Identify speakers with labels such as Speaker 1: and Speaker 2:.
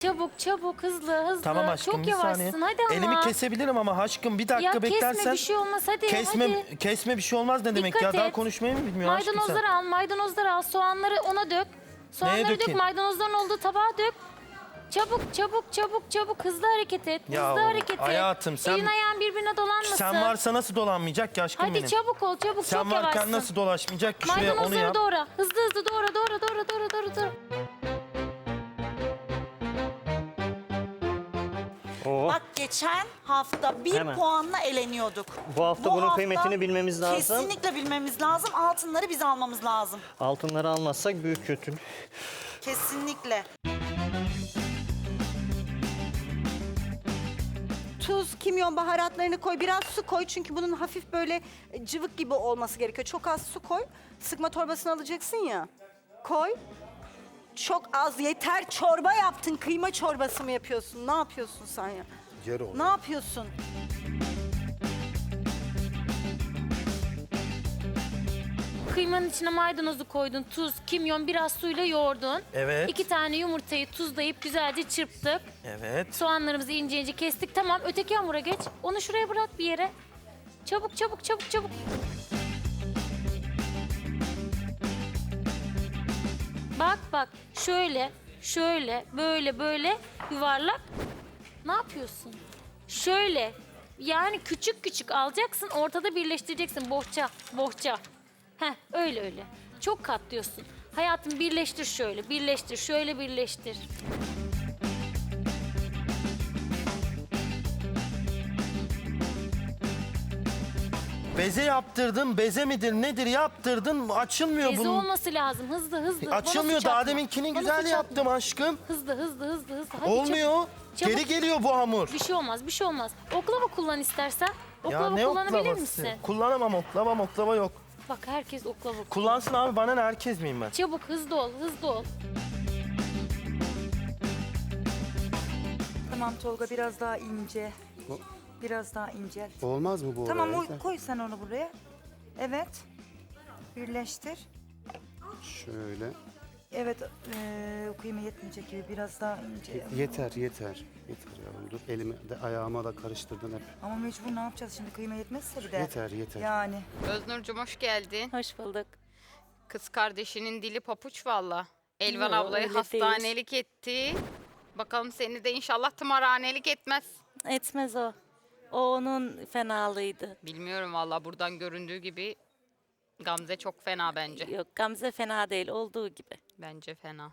Speaker 1: Çabuk çabuk hızlı hızlı.
Speaker 2: Tamam aşkım
Speaker 1: Çok
Speaker 2: bir saniye.
Speaker 1: yavaşsın hadi ama.
Speaker 2: Elimi kesebilirim ama aşkım bir dakika
Speaker 1: Ya
Speaker 2: beklersen.
Speaker 1: kesme bir şey olmaz hadi hadi.
Speaker 2: Kesme bir şey olmaz ne demek
Speaker 1: Dikkat
Speaker 2: ya? Daha
Speaker 1: et.
Speaker 2: konuşmayı mı bilmiyor aşkım sen?
Speaker 1: Maydanozları al, soğanları ona dök. Soğanları dök,
Speaker 2: dökeyim?
Speaker 1: maydanozların olduğu tabağa dök. Çabuk hızlı hareket et.
Speaker 2: Ya
Speaker 1: Hızlı hareket et.
Speaker 2: hayatım, sen-
Speaker 1: Elin ayağın birbirine dolanmasın.
Speaker 2: Sen varsa nasıl dolanmayacak ki aşkım
Speaker 1: Hadi
Speaker 2: benim?
Speaker 1: çabuk ol çabuk
Speaker 2: Sen
Speaker 1: çok
Speaker 2: varken
Speaker 1: yavaşsın.
Speaker 2: nasıl dolaşmayacak ki şuraya onu
Speaker 1: Maydanozları
Speaker 2: yap.
Speaker 1: doğra. Hızlı doğra.
Speaker 3: Oo.
Speaker 4: Bak geçen hafta bir
Speaker 3: Hemen.
Speaker 4: puanla eleniyorduk.
Speaker 3: Bu hafta bunun kıymetini bilmemiz lazım.
Speaker 4: Kesinlikle bilmemiz lazım. Altınları biz almamız lazım.
Speaker 3: Altınları almazsak büyük kötü.
Speaker 4: Kesinlikle.
Speaker 5: Tuz, kimyon, baharatlarını koy. Biraz su koy çünkü bunun hafif böyle cıvık gibi olması gerekiyor. Çok az su koy. Sıkma torbasını alacaksın ya. Koy. Çok az yeter. Çorba yaptın. Kıyma çorbası mı yapıyorsun? Ne yapıyorsun sen ya? Ne yapıyorsun?
Speaker 1: Kıymanın içine maydanozu koydun, tuz, kimyon, biraz suyla yoğurdun.
Speaker 2: Evet.
Speaker 1: 2 tane yumurtayı tuzlayıp güzelce çırptık.
Speaker 2: Evet.
Speaker 1: Soğanlarımızı ince kestik. Tamam, öteki hamura geç. Onu şuraya bırak bir yere. Çabuk. Bak. Şöyle, böyle yuvarlak. Ne yapıyorsun? Şöyle. Yani küçük alacaksın, ortada birleştireceksin. Bohça. Heh, öyle. Çok katlıyorsun. Hayatım birleştir şöyle, şöyle birleştir.
Speaker 2: Beze yaptırdım. Beze midir nedir yaptırdın. Açılmıyor
Speaker 1: Beze
Speaker 2: bunun.
Speaker 1: olması lazım. Hızlı. Bana
Speaker 2: Açılmıyor.
Speaker 1: suç atma.
Speaker 2: Daha deminkini
Speaker 1: Bana
Speaker 2: güzel
Speaker 1: suç atma.
Speaker 2: yaptım aşkım.
Speaker 1: Hızlı. Hadi
Speaker 2: Olmuyor.
Speaker 1: çabuk.
Speaker 2: Geri geliyor bu hamur.
Speaker 1: Bir şey olmaz. Oklava kullan istersen.
Speaker 2: Ya
Speaker 1: Oklava
Speaker 2: ne
Speaker 1: kullanabilir
Speaker 2: oklavası?
Speaker 1: misin?
Speaker 2: Kullanamam oklava yok.
Speaker 1: Bak herkes oklava kullan.
Speaker 2: Kullansın abi bana ne herkes miyim ben?
Speaker 1: Çabuk hızlı ol.
Speaker 6: Tamam Tolga biraz daha ince. Biraz daha ince.
Speaker 7: Olmaz mı bu
Speaker 6: Tamam
Speaker 7: oraya?
Speaker 6: koy sen onu buraya. Evet. Birleştir.
Speaker 7: Şöyle.
Speaker 6: Evet kıyma yetmeyecek gibi biraz daha ince.
Speaker 7: Yeter yavrum dur. Elimi de ayağıma da karıştırdın hep.
Speaker 6: Ama mecbur ne yapacağız şimdi kıyma yetmezse bir de.
Speaker 7: Yeter.
Speaker 6: Yani.
Speaker 8: Öznur'cum hoş geldin.
Speaker 1: Hoş bulduk.
Speaker 8: Kız kardeşinin dili papuç valla. Elvan
Speaker 1: Yo,
Speaker 8: ablayı
Speaker 1: öyle
Speaker 8: hastanelik etti. Bakalım seni de inşallah tımarhanelik etmez.
Speaker 9: Etmez o. O onun fenalığıydı.
Speaker 8: Bilmiyorum valla buradan göründüğü gibi Gamze çok fena bence.
Speaker 9: Yok Gamze fena değil olduğu gibi.
Speaker 8: Bence fena.